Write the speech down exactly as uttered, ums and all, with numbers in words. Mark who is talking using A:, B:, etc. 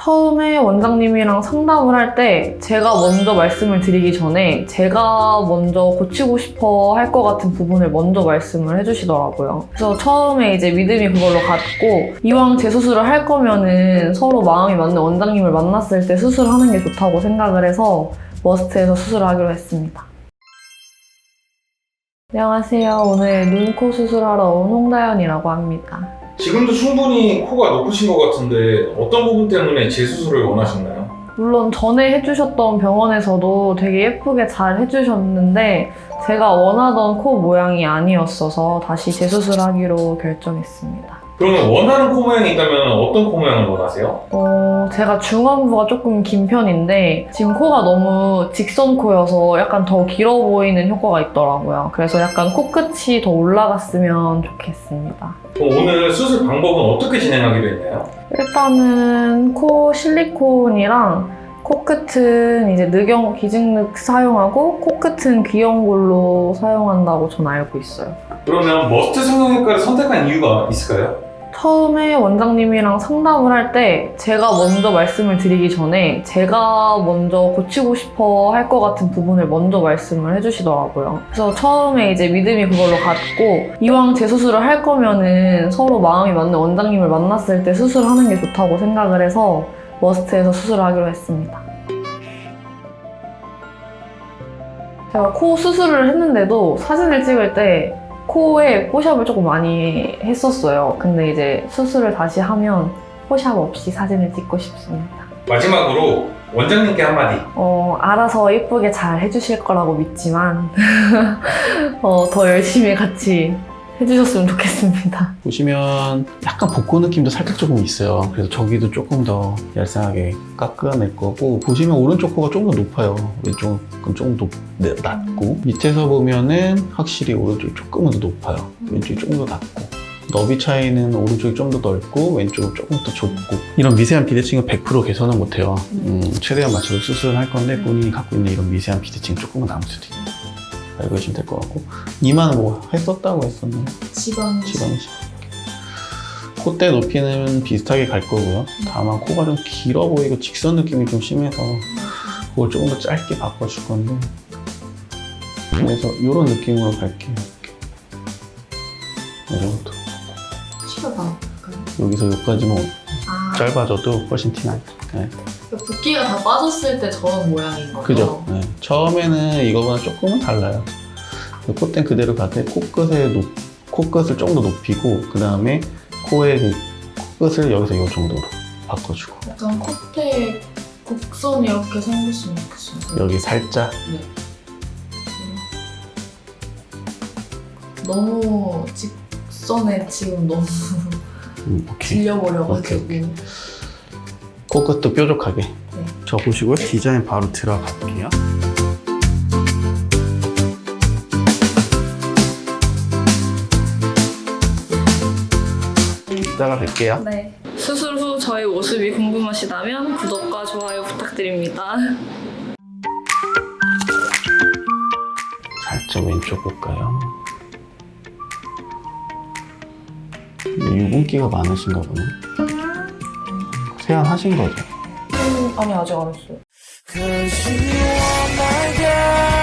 A: 처음에 원장님이랑 상담을 할 때 제가 먼저 말씀을 드리기 전에 제가 먼저 고치고 싶어 할 것 같은 부분을 먼저 말씀을 해주시더라고요. 그래서 처음에 이제 믿음이 그걸로 갔고, 이왕 재수술을 할 거면은 서로 마음이 맞는 원장님을 만났을 때 수술하는 게 좋다고 생각을 해서 머스트에서 수술을 하기로 했습니다. 안녕하세요. 오늘 눈, 코 수술하러 온 홍다연이라고 합니다.
B: 지금도 충분히 코가 높으신 것 같은데 어떤 부분 때문에 재수술을 원하셨나요?
A: 물론 전에 해주셨던 병원에서도 되게 예쁘게 잘 해주셨는데 제가 원하던 코 모양이 아니었어서 다시 재수술하기로 결정했습니다.
B: 그러면 원하는 코 모양이 있다면 어떤 코 모양을 원하세요?
A: 어, 제가 중안부가 조금 긴 편인데 지금 코가 너무 직선 코여서 약간 더 길어 보이는 효과가 있더라고요. 그래서 약간 코끝이 더 올라갔으면 좋겠습니다.
B: 그럼 오늘 수술 방법은 어떻게 진행하기로 했나요?
A: 일단은 코 실리콘이랑 코끝은 이제 늑영, 기증늑 사용하고 코끝은 귀염골로 사용한다고 전 알고 있어요.
B: 그러면 머스트 성형외과를 선택한 이유가 있을까요?
A: 처음에 원장님이랑 상담을 할 때 제가 먼저 말씀을 드리기 전에 제가 먼저 고치고 싶어 할 것 같은 부분을 먼저 말씀을 해주시더라고요. 그래서 처음에 이제 믿음이 그걸로 갔고, 이왕 재수술을 할 거면은 서로 마음이 맞는 원장님을 만났을 때 수술하는 게 좋다고 생각을 해서 머스트에서 수술을 하기로 했습니다. 제가 코 수술을 했는데도 사진을 찍을 때 코에 포샵을 조금 많이 했었어요. 근데 이제 수술을 다시 하면 포샵 없이 사진을 찍고 싶습니다.
B: 마지막으로 원장님께 한마디.
A: 어, 알아서 예쁘게 잘 해주실 거라고 믿지만 어, 더 열심히 같이 해주셨으면 좋겠습니다.
C: 보시면 약간 복고 느낌도 살짝 조금 있어요. 그래서 저기도 조금 더 얄쌍하게 깎아낼 거고, 보시면 오른쪽 코가 조금 더 높아요. 왼쪽은 조금 더 낮고, 밑에서 보면은 확실히 오른쪽이 조금은 더 높아요. 왼쪽이 조금 더 낮고, 너비 차이는 오른쪽이 좀 더 넓고 왼쪽은 조금 더 좁고, 이런 미세한 비대칭은 백 퍼센트 개선은 못해요. 음, 최대한 맞춰서 수술을 할 건데 본인이 갖고 있는 이런 미세한 비대칭 조금은 남을 수도 있어요. 알고 계시면 될 것 같고, 이마는 뭐 했었다고 했었나요?
A: 지방
C: 지방이식. 콧대 높이는 비슷하게 갈 거고요. 다만 코가 좀 길어 보이고 직선 느낌이 좀 심해서 그걸 조금 더 짧게 바꿔줄 건데, 그래서 이런 느낌으로 갈게요. 이 정도.
A: 치료 받을까요?
C: 여기서 여기까지만
A: 아,
C: 짧아져도 훨씬 티나요. 네.
A: 붓기가 다 빠졌을 때 저런 모양인 거죠?
C: 그죠? 네. 처음에는 이거보다 조금은 달라요. 콧대는 그대로 가되 코끝에 높, 코끝을 좀 더 높이고, 그 다음에 코의 그 코끝을 여기서 이 정도로 바꿔주고,
A: 약간 콧대 곡선이 이렇게 생겼으면 좋겠어요.
C: 여기 살짝.
A: 네. 너무 직선에 지금 너무
C: 음, 오케이.
A: 질려버려가지고.
C: 오케이, 오케이. 코끝도 뾰족하게.
A: 네.
C: 저 보시고요. 디자인 바로 들어갈게요. 이따가 뵐게요.
A: 네. 수술 후 저희 모습이 궁금하시다면 구독과 좋아요 부탁드립니다.
C: 살짝 왼쪽 볼까요? 유분기가 많으신가 보네. 세안하신 거죠?
A: 음, 아니 아직 안 했어요.